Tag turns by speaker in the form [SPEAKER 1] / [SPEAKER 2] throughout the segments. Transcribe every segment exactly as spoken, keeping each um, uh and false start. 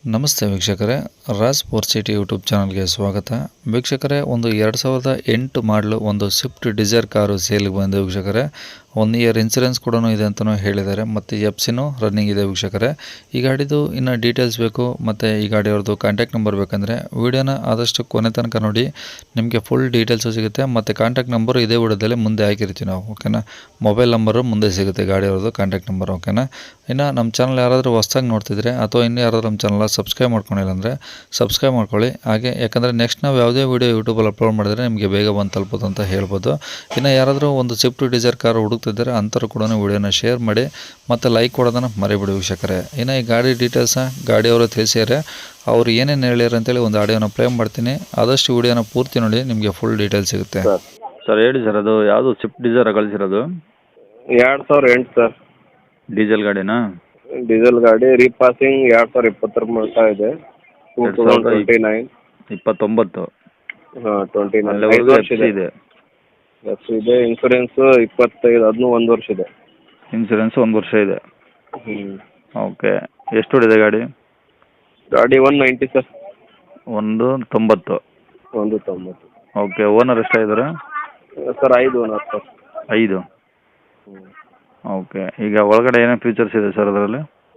[SPEAKER 1] ನಮಸ್ತೆ ವೀಕ್ಷಕರೇ, Raj four city YouTube ಚಾನಲ್ಗೆ ಸ್ವಾಗತ. ವೀಕ್ಷಕರೇ, ಒಂದು ಎರಡು ಸಾವಿರದ ಎಂಟು ಮಾಡಲು ಒಂದು ಸ್ವಿಫ್ಟ್ ಡಿಸೈರ್ ಕಾರು ಸೇಲ್ಗೆ ಬಂದಿದೆ ವೀಕ್ಷಕರೇ. ಒನ್ ಇಯರ್ ಇನ್ಸೂರೆನ್ಸ್ ಕೂಡ ಇದೆ ಅಂತಲೂ ಹೇಳಿದ್ದಾರೆ, ಮತ್ತು ಎಫ್ ಸಿನೂ ರನ್ನಿಂಗ್ ಇದೆ ವೀಕ್ಷಕರೇ. ಈ ಗಾಡಿದು ಇನ್ನು ಡೀಟೇಲ್ಸ್ ಬೇಕು ಮತ್ತು ಈ ಗಾಡಿಯವ್ರದ್ದು ಕಾಂಟ್ಯಾಕ್ಟ್ ನಂಬರ್ ಬೇಕಂದರೆ ವೀಡಿಯೋನ ಆದಷ್ಟು ಕೊನೆ ತನಕ ನೋಡಿ, ನಿಮಗೆ ಫುಲ್ ಡೀಟೇಲ್ಸು ಸಿಗುತ್ತೆ. ಮತ್ತು ಕಾಂಟ್ಯಾಕ್ಟ್ ನಂಬರು ಇದೇ ವಿಡಿಯೋದಲ್ಲಿ ಮುಂದೆ ಹಾಕಿರ್ತೀವಿ ನಾವು, ಓಕೆನಾ. ಮೊಬೈಲ್ ನಂಬರು ಮುಂದೆ ಸಿಗುತ್ತೆ ಗಾಡಿಯವ್ರದ್ದು ಕಾಂಟ್ಯಾಕ್ಟ್ ನಂಬರ್, ಓಕೆನಾ. ಇನ್ನು ನಮ್ಮ ಚಾನಲ್ ಯಾರಾದರೂ ಹೊಸ್ದಾಗಿ ನೋಡ್ತಿದ್ರೆ ಅಥವಾ ಇನ್ನೂ ಯಾರಾದರೂ ನಮ್ಮ ಚಾನಲ್ ಸಬ್ಸ್ಕ್ರೈಬ್ ಮಾಡ್ಕೊಂಡಿಲ್ಲ ಅಂದರೆ ಸಬ್ಸ್ಕ್ರೈಬ್ ಮಾಡ್ಕೊಳ್ಳಿ. ಹಾಗೆ ಯಾಕಂದರೆ ನೆಕ್ಸ್ಟ್ ನಾವು ಯಾವುದೇ ವೀಡಿಯೋ ಯೂಟ್ಯೂಬಲ್ಲಿ ಅಪ್ಲೋಡ್ ಮಾಡಿದರೆ ನಿಮಗೆ ಬೇಗ ಬಂದು ತಲುಪೋದು ಅಂತ ಹೇಳ್ಬೋದು. ಇನ್ನು ಯಾರಾದರೂ ಒಂದು ಸ್ವಿಫ್ಟ್ ಡಿಸೈರ್ ಕಾರ್ ಹುಡುಕ್ತಿದ್ದಾರೆ ಅಂಥವ್ರು ಕೂಡ ವೀಡಿಯೋನ ಶೇರ್ ಮಾಡಿ ಮತ್ತು ಲೈಕ್ ಕೊಡೋದನ್ನು ಮರಿಬಿಡಿ ವೀಕ್ಷಕರೇ. ಇನ್ನು ಈ ಗಾಡಿ ಡೀಟೇಲ್ಸ್ನ ಗಾಡಿಯವರು ತಿಳಿಸಿದರೆ ಅವ್ರು ಏನೇನು ಹೇಳ್ಯಾರ ಅಂತೇಳಿ ಒಂದು ಆಡಿಯೋನ ಪ್ಲೇ ಮಾಡ್ತೀನಿ. ಆದಷ್ಟು ವೀಡಿಯೋನ ಪೂರ್ತಿ ನೋಡಿ, ನಿಮಗೆ ಫುಲ್ ಡೀಟೇಲ್ಸ್ ಸಿಗುತ್ತೆ.
[SPEAKER 2] ಸರ್ ಹೇಳಿ ಸರ್, ಅದು ಯಾವುದು ಸ್ವಿಫ್ಟ್ ಡಿಸೈರ್ ಕಳಿಸಿರೋದು?
[SPEAKER 3] ಎರಡು ಸಾವಿರ ಎಂಟು ಸರ್.
[SPEAKER 2] ಡೀಸೆಲ್ ಗಾಡಿನಾ?
[SPEAKER 3] ಡೀಸೆಲ್ ಗಾಡಿ ರೀಪಾಸಿಂಗ್ ಎರಡು ಸಾವಿರ ಇಪ್ಪತ್ತರ ಮಟ್ಟ ಇದೆ. ಟೂ ತೌಸಂಡ್ ಟ್ವೆಂಟಿ ನೈನ್
[SPEAKER 2] ಇಪ್ಪತ್ತೊಂಬತ್ತು
[SPEAKER 3] ಹಾಂ ಟ್ವೆಂಟಿ ನೈನ್
[SPEAKER 2] ಅಲ್ಲಿವರೆಗೂ
[SPEAKER 3] ಐದು ವರ್ಷ ಇದೆ.
[SPEAKER 2] ಇದೆ.
[SPEAKER 3] ಎಫ್ ಇದೆ. ಇನ್ಸೂರೆನ್ಸ್ ಇಪ್ಪತ್ತೈದು, ಅದನ್ನೂ ಒಂದು ವರ್ಷ ಇದೆ.
[SPEAKER 2] ಇನ್ಸೂರೆನ್ಸ್ ಒಂದು ವರ್ಷ ಇದೆ.
[SPEAKER 3] ಹ್ಞೂ
[SPEAKER 2] ಓಕೆ, ಎಷ್ಟು ಹೊಡಿದೆ ಗಾಡಿ?
[SPEAKER 3] ಗಾಡಿ ಒನ್ ನೈಂಟಿ ಸರ್.
[SPEAKER 2] ಒಂದು ತೊಂಬತ್ತು.
[SPEAKER 3] ಒಂದು ತೊಂಬತ್ತು.
[SPEAKER 2] ಓಕೆ, ಓನರ್ ಎಷ್ಟಾಗಿದ್ದಾರೆ?
[SPEAKER 3] ಸರ್ ಐದು ಓನರ್ ಸರ್.
[SPEAKER 2] ಐದು.
[SPEAKER 3] ಹ್ಞೂ
[SPEAKER 2] ಓಕೆ, ಈಗ ಒಳಗಡೆ ಏನೇನು ಫೀಚರ್ಸ್ ಇದೆ ಸರ್ ಅದರಲ್ಲಿ?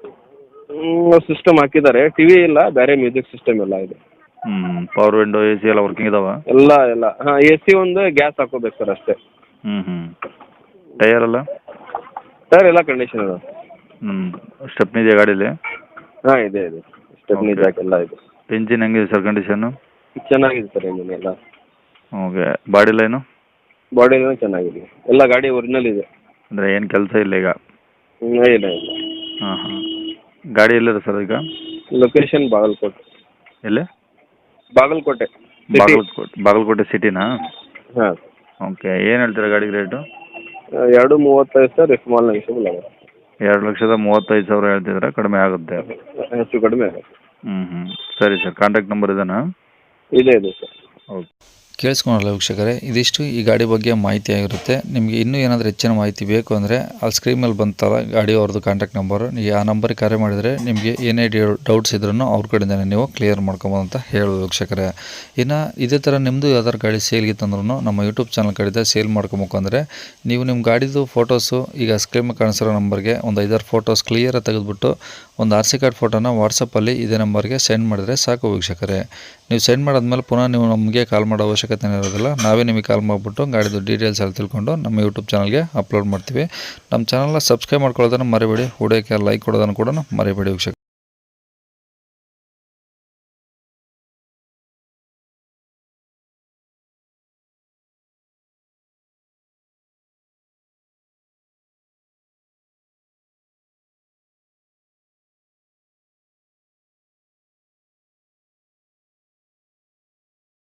[SPEAKER 3] ಸಿಸ್ಟಮ್ ಹಾಕಿದ್ದಾರೆ, ಟಿ ವಿ ಇಲ್ಲ, ಬೇರೆ ಮ್ಯೂಸಿಕ್ ಸಿಸ್ಟಮ್ ಎಲ್ಲ ಇದೆ.
[SPEAKER 2] ಹ್ಞೂ ಪವರ್ ವಿಂಡೋ, ಎ ಸಿ ಎಲ್ಲ ವರ್ಕಿಂಗ್ ಇದಾವೆ?
[SPEAKER 3] ಎಲ್ಲ ಎಲ್ಲ ಹಾಂ, ಎ ಸಿ ಒಂದು ಗ್ಯಾಸ್ ಹಾಕೋಬೇಕು ಸರ್ ಅಷ್ಟೇ.
[SPEAKER 2] ಹ್ಞೂ ಹ್ಞೂ ಟೈಯರ್ ಎಲ್ಲ?
[SPEAKER 3] ಸರ್ ಎಲ್ಲ ಕಂಡೀಷನ್ ಇದೆ.
[SPEAKER 2] ಹ್ಞೂ ಸ್ಟೆಪ್ನಿ ಇದೆಯಾ ಗಾಡೀಲಿ?
[SPEAKER 3] ಹಾಂ ಇದೆ ಇದೆ, ಸ್ಟೆಪ್ನಿ ಜಾಕ್ ಎಲ್ಲ ಇದೆ.
[SPEAKER 2] ಇಂಜಿನ್ ಹೆಂಗಿದೆ ಸರ್ ಕಂಡೀಷನ್ನು?
[SPEAKER 3] ಚೆನ್ನಾಗಿದೆ ಸರ್ ಇಂಜಿನ್ ಎಲ್ಲ.
[SPEAKER 2] Okay, body line?
[SPEAKER 3] ಬಾಡಿ ಎಲ್ಲ ಚೆನ್ನಾಗಿದೆ, ಎಲ್ಲ ಗಾಡಿ ಒರಿಜಿನಲ್ ಇದೆ.
[SPEAKER 2] ಅಂದರೆ ಏನು ಕೆಲಸ ಇಲ್ಲ ಈಗ?
[SPEAKER 3] ಹ್ಞೂ ಇಲ್ಲ ಇಲ್ಲ.
[SPEAKER 2] ಹಾಂ ಹಾಂ ಗಾಡಿ ಎಲ್ಲಿದೆ ಸರ್ ಈಗ?
[SPEAKER 3] ಲೊಕೇಶನ್ ಬಾಗಲಕೋಟೆ.
[SPEAKER 2] ಎಲ್ಲಿ?
[SPEAKER 3] ಬಾಗಲಕೋಟೆ
[SPEAKER 2] ಬಾಗಲಕೋಟೆ ಬಾಗಲಕೋಟೆ ಸಿಟಿನಾ?
[SPEAKER 3] ಹಾಂ.
[SPEAKER 2] ಓಕೆ, ಏನು ಹೇಳ್ತೀರಾ ಗಾಡಿಗೆ ರೇಟು?
[SPEAKER 3] ಎರಡು ಮೂವತ್ತೈದು ಸರ್, ಸ್ಮಾಲ್ ನೆಗೆಷಬಲ್ ಆಗುತ್ತೆ.
[SPEAKER 2] ಎರಡು ಲಕ್ಷದ ಮೂವತ್ತೈದು ಸಾವಿರ ಹೇಳ್ತಿದ್ರೆ ಕಡಿಮೆ ಆಗುತ್ತೆ?
[SPEAKER 3] ಹೆಚ್ಚು ಕಡಿಮೆ ಆಗುತ್ತೆ.
[SPEAKER 2] ಹ್ಞೂ ಹ್ಞೂ ಸರಿ ಸರ್, ಕಾಂಟ್ಯಾಕ್ಟ್ ನಂಬರ್ ಇದೆನಾ?
[SPEAKER 3] ಇದೆ ಇದೆ ಸರ್.
[SPEAKER 2] ಓಕೆ,
[SPEAKER 1] ಕೇಳಿಸ್ಕೊಳಲ್ಲ ವೀಕ್ಷಕರೇ, ಇದಿಷ್ಟು ಈ ಗಾಡಿ ಬಗ್ಗೆ ಮಾಹಿತಿ ಆಗಿರುತ್ತೆ. ನಿಮಗೆ ಇನ್ನೂ ಏನಾದರೂ ಹೆಚ್ಚಿನ ಮಾಹಿತಿ ಬೇಕು ಅಂದರೆ ಅಲ್ಲಿ ಸ್ಕ್ರೀನ್ ಮೇಲೆ ಬಂತಲ್ಲ ಗಾಡಿ ಅವ್ರದ್ದು ಕಾಂಟ್ಯಾಕ್ಟ್ ನಂಬರು, ನೀವು ಆ ನಂಬರಿಗೆ ಕರೆ ಮಾಡಿದರೆ ನಿಮಗೆ ಏನೇ ಡೌಟ್ಸ್ ಇದ್ರೂ ಅವ್ರ ಕಡೆಯಿಂದನೇ ನೀವು ಕ್ಲಿಯರ್ ಮಾಡ್ಕೊಬೋದು ಅಂತ ಹೇಳೋದು ವೀಕ್ಷಕರೇ. ಇನ್ನು ಇದೇ ಥರ ನಿಮ್ಮದು ಯಾವ್ದಾದ್ರು ಗಾಡಿ ಸೇಲ್ಗಿತ್ತಂದ್ರೂ ನಮ್ಮ ಯೂಟ್ಯೂಬ್ ಚಾನಲ್ ಕಡೆಯಿಂದ ಸೇಲ್ ಮಾಡ್ಕೊಬೇಕು ಅಂದರೆ ನೀವು ನಿಮ್ಮ ಗಾಡಿದು ಫೋಟೋಸು ಈಗ ಸ್ಕ್ರೀನ್ ಮೇಲೆ ಕಾಣಿಸಿರೋ ನಂಬರ್ಗೆ ಒಂದು ಐದಾರು ಫೋಟೋಸ್ ಕ್ಲಿಯರಾಗಿ ತೆಗೆದುಬಿಟ್ಟು ಒಂದು ಆರ್ ಸಿ ಕಾರ್ಡ್ ಫೋಟೋನ ವಾಟ್ಸಪ್ಪಲ್ಲಿ ಇದೇ ನಂಬರ್ಗೆ ಸೆಂಡ್ ಮಾಡಿದರೆ ಸಾಕು ವೀಕ್ಷಕರೇ. ನೀವು ಸೆಂಡ್ ಮಾಡಾದ್ಮೇಲೆ ಪುನಃ ನೀವು ನಮಗೆ ಕಾಲ್ ಮಾಡೋ ಅವಶ್ಯಕತೆ ಇರೋದಿಲ್ಲ, ನಾವೇ ನಿಮಗೆ ಕಾಲ್ ಮಾಡಿಬಿಟ್ಟು ಗಾಡಿದು ಡೀಟೇಲ್ಸ್ ಎಲ್ಲ ತಿಳ್ಕೊಂಡು ನಮ್ಮ ಯೂಟ್ಯೂಬ್ ಚಾನಲ್ಗೆ ಅಪ್ಲೋಡ್ ಮಾಡ್ತೀವಿ. ನಮ್ಮ ಚಾನಲ್ನ ಸಬ್ಸ್ಕ್ರೈಬ್ ಮಾಡ್ಕೊಳ್ಳೋದನ್ನು ಮರಿಬೇಡಿ, ವಿಡಿಯೋಕ್ಕೆ ಲೈಕ್ ಕೊಡೋದನ್ನು ಕೂಡ ಮರಿಬೇಡಿ ವೀಕ್ಷಕರೇ.